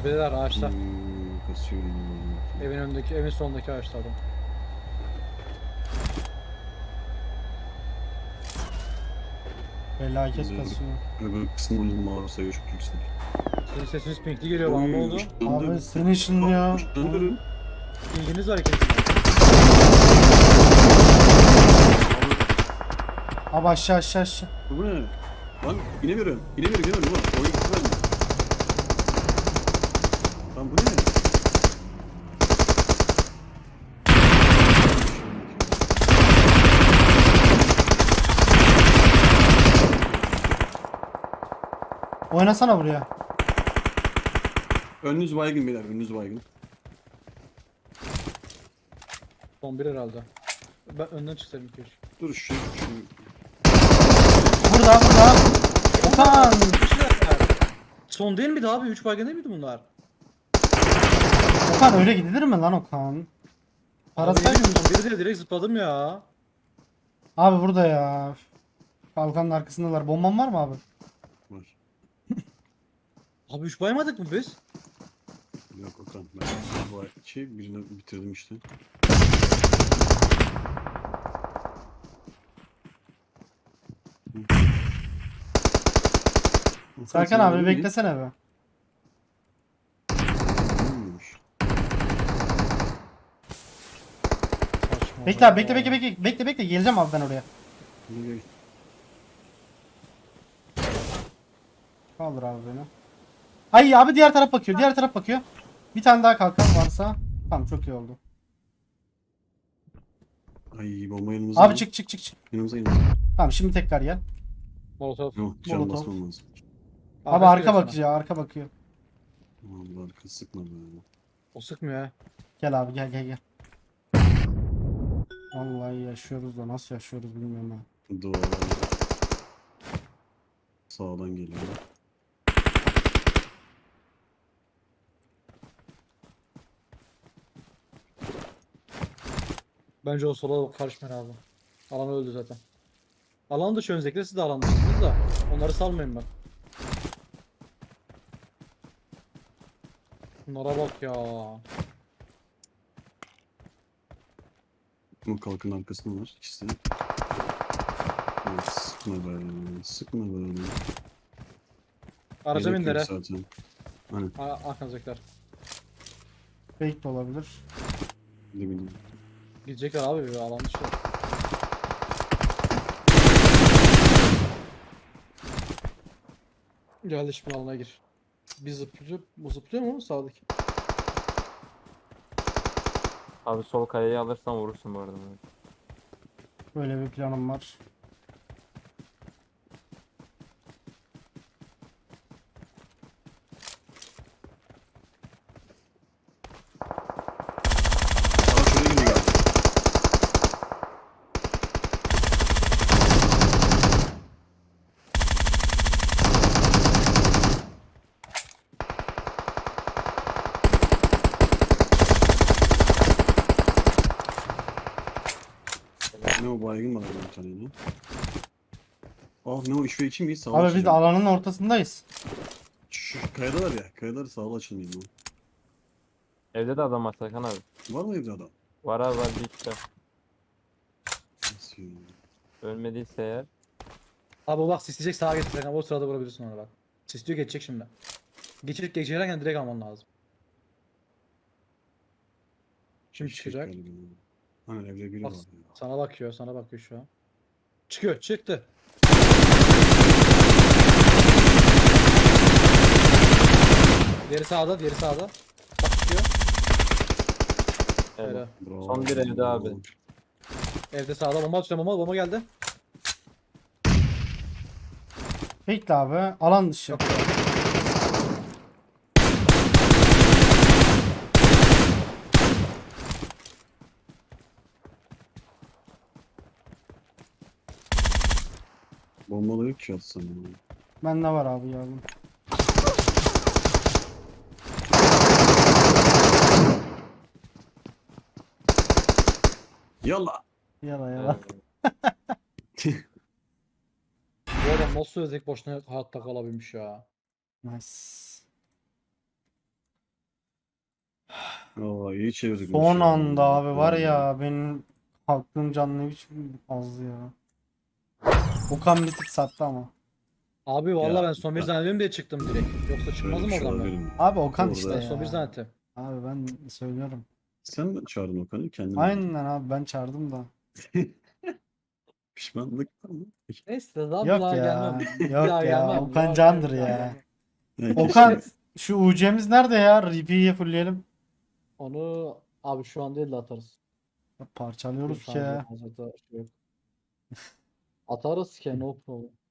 Tepedeler ağaçta. Kasıyorum. Evin önündeki, evin sonundaki ağaçta adam. Felaket kasıyor. Öbür kısmının mağarası çok yüksek. Sizin sesiniz pinkli geliyor bana, ne oldu? Abi senin şimdi ya. Işınlanıyorum. Pinkiniz var ikinizin. Abi aşağı aşağı aşağı. Bu ne? Lan inemiyorum. İnemiyorum. Ulan oyun güzel mi? Lan bu ne? Oynasana buraya. Önünüz baygın beyler. Önünüz baygın. Son bir herhalde. Ben önden çıksaydım keşke. Dur şu. Burada. Okan. Son değil miydi abi? 3 baygın değil miydi bunlar? Okan öyle gidilir mi lan Okan? Parasaydın. Son biri değil, direkt zıpladım ya. Abi burada ya. Kalkanın arkasındalar. Bomban var mı abi? Var. Abi 3 baymadık mı biz? Yok Okan. Ben bu birini bitirdim işte. Serkan abi beklesene be. Bilmiyormuş. Saçma Bekle abi ya. bekle. Geleceğim abi ben oraya. Ne Kaldır abi beni. Ay abi diğer taraf bakıyor. Bir tane daha kalkan varsa. Tamam çok iyi oldu. Ay bomba yanımıza. Abi çık. Yanımıza. Tamam şimdi tekrar gel. Molotov. Yok can Molotov. basmam lazım. Abi arka bakıyor. Aman bu arka sıkma be. O sıkmıyor ha. Gel abi gel. Vallahi yaşıyoruz da nasıl yaşıyoruz bilmiyorum ha. Duvarlar. Sağdan geliyor. Bence o sola karışmayın abi. Alan öldü zaten. Alan dışı öncelikle siz de alan dışısınız da. Onları salmayın ben. Bunlara bak ya. Bu kalkın arkasında var ikisi de. Evet, sıkma be. Araca Gerek bindiler yok he. zaten. Hani Arkanızdakiler. Fake de olabilir. ne bileyim. Gidecekler abi bir alan dışı. Geldi şimdi alana gir. Bir zıplıyor. Bu zıplıyor mu sağdaki? Abi sol kayayı alırsan vurursun bu arada. Böyle bir planım var. Aa şuraya geliyor. Ne o baygın var bir tane yine. Ah ne o 3v2 miyiz? Sağ Abi biz de açılıyor. alanın ortasındayız. Şu kayada var ya. Kayalar sağlı açılmıyor mu? Evde de adam var Serkan abi. Var mı evde adam? Var abi var bir iki de. Nasıl ya? Ölmediyse eğer. Abi bak sisleyecek sağa geçecek ama o sırada vurabilirsin ona bak. Sisliyor geçecek şimdi. Geçerken direkt alman lazım. Şimdi Hiç çıkacak. galiba. Hani evde biri Bak, var ya. sana bakıyor şu an. Çıkıyor, çıktı. Diğeri sağda. Bak çıkıyor. Evet. Öyle. Bravo. Son bir evde abi. Evde sağda bomba atıyor, bomba geldi. Bekle abi. Alan dışı. Yok. Bombalı yok ki atsam ya. Bende var abi yardım. Yallah. Yala. Bu adam nasıl özek boşuna hayatta kalabilmiş ya. Nice. Oo iyi çevirdik. Son maçı. anda abi var ya benim aklım canlı hiç azdı ya. Okan bir tık sattı ama. Abi vallahi Ya, ben son bir ben- zannediyorum diye çıktım direkt. Yoksa Böyle çıkmazdım bir şey oradan ben. olabilir mi? Abi Okan Orada- işte Ben ya. son bir zannettim. Abi ben söylüyorum. Sen mi çağırdın Okan'ı? Kendin mi? Aynen abi ben çağırdım da. Pişmanlık ama. Neyse daha bir Yok daha ya. gelmem. Bir Yok daha ya. gelmem. Okan Yok, candır bir daha ya. gelmem. Ne, Okan keşke- şu UC'miz nerede ya? RP'yi fullleyelim. Onu abi şu an değil de atarız. Parçalıyoruz Bir ki. saniye, hazırda şey yok. Atarız ki no problem.